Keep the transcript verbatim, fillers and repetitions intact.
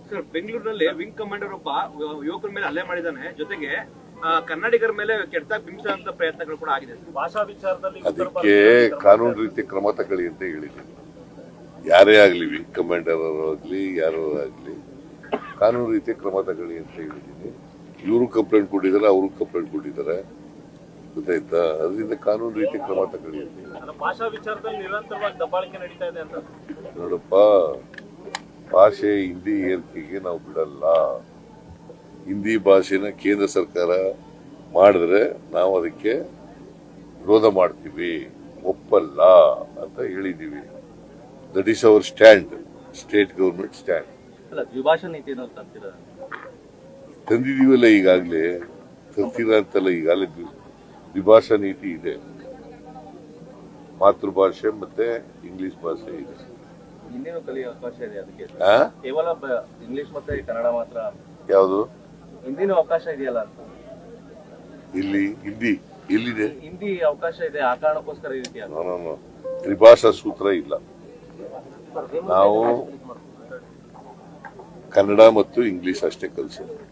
Sir, ಬೆಂಗಳೂರಿನಲ್ಲಿ wing commander ಒಬ್ಬ ಯುವಕರ ಮೇಲೆ ಹಲ್ಲೆ ಮಾಡಿದ್ದಾನೆ. ಜೊತೆಗೆ ಕನ್ನಡಿಗರ ಮೇಲೆ ಕೆಟ್ಟದಾಗಿ ಬಿಂಬಿಸುವಂತ ಪ್ರಯತ್ನಗಳು ಕೂಡ ಆಗಿದೆ. ಭಾಷಾ ವಿಚಾರದಲ್ಲಿ ಅದಕ್ಕೆ ಕಾನೂನು ರೀತಿ ಕ್ರಮ ತಗೊಳ್ಳಿ ಅಂತ ಹೇಳಿದ್ದೀನಿ. ಯಾರೇ ಆಗ್ಲಿ, ವಿಂಗ್ ಕಮಾಂಡರ್ ಆಗಲಿ ಯಾರೋ ಆಗ್ಲಿ, ಕಾನೂನು ರೀತಿ ಕ್ರಮ ತಗೊಳ್ಳಿ ಅಂತ ಹೇಳಿದ್ದೀನಿ. ಇವರು ಕಂಪ್ಲೇಂಟ್ ಕೊಟ್ಟಿದ್ದಾರೆ, ಅವರು ಕಂಪ್ಲೇಂಟ್ ಕೊಟ್ಟಿದ್ದಾರೆ, ಗೊತ್ತಾಯ್ತಾ? ಅದರಿಂದ ಕಾನೂನು ರೀತಿ ಕ್ರಮ ತಗೊಳ್ಳಿ ಅಂತ. ಭಾಷಾ ವಿಚಾರದಲ್ಲಿ ನಿರಂತರವಾಗಿ ದಬ್ಬಾಳಿಕೆ ನಡೀತಾ ಇದೆ ಅಂತ. ನೋಡಪ್ಪ, ಭಾಷೆ ಹಿಂದಿ ಏರಿಕೆಗೆ ನಾವು ಬಿಡಲ್ಲ. ಹಿಂದಿ ಭಾಷೆನ ಕೇಂದ್ರ ಸರ್ಕಾರ ಮಾಡಿದ್ರೆ ನಾವು ಅದಕ್ಕೆ ವಿರೋಧ ಮಾಡ್ತೀವಿ, ಒಪ್ಪಲ್ಲ ಅಂತ ಹೇಳಿದೀವಿ. That is our stand, state government stand. ಅಲ್ಲ, ದ್ವಿಭಾಷಾ ನೀತಿ ತಂದಿದೀವಲ್ಲ ಈಗಾಗಲೇ, ತರ್ತೀರ ಅಂತಲ್ಲ, ಈಗಾಗಲೇ ದ್ವಿಭಾಷಾ ನೀತಿ ಇದೆ. ಮಾತೃಭಾಷೆ ಮತ್ತೆ ಇಂಗ್ಲಿಷ್ ಭಾಷೆ ಇದೆ. ಹಿಂದಿನೂ ಕಲಿಯೋ ಅವಕಾಶ ಇದೆ. ಅದಕ್ಕೆ ಆ? ಕೇವಲ ಇಂಗ್ಲಿಷ್ ಮತ್ತೆ ಕನ್ನಡ ಮಾತ್ರ. ಯಾವುದು ಹಿಂದಿನೂ ಅವಕಾಶ ಇದೆಯಲ್ಲ ಅಂತ. ಇಲ್ಲಿ ಹಿಂದಿ ಎಲ್ಲಿದೆ? ಹಿಂದಿ ಅವಕಾಶ ಇದೆ, ಆ ಕಾರಣಕ್ಕೋಸ್ಕರ ಈ ರೀತಿ ಆಗುತ್ತೆ. ನಾನು ತ್ರಿಭಾಷಾ ಸೂತ್ರ ಇಲ್ಲ. ನಾವು ಕನ್ನಡ ಮತ್ತು ಇಂಗ್ಲಿಷ್ ಅಷ್ಟೇ ಕಲಿಸೋದು.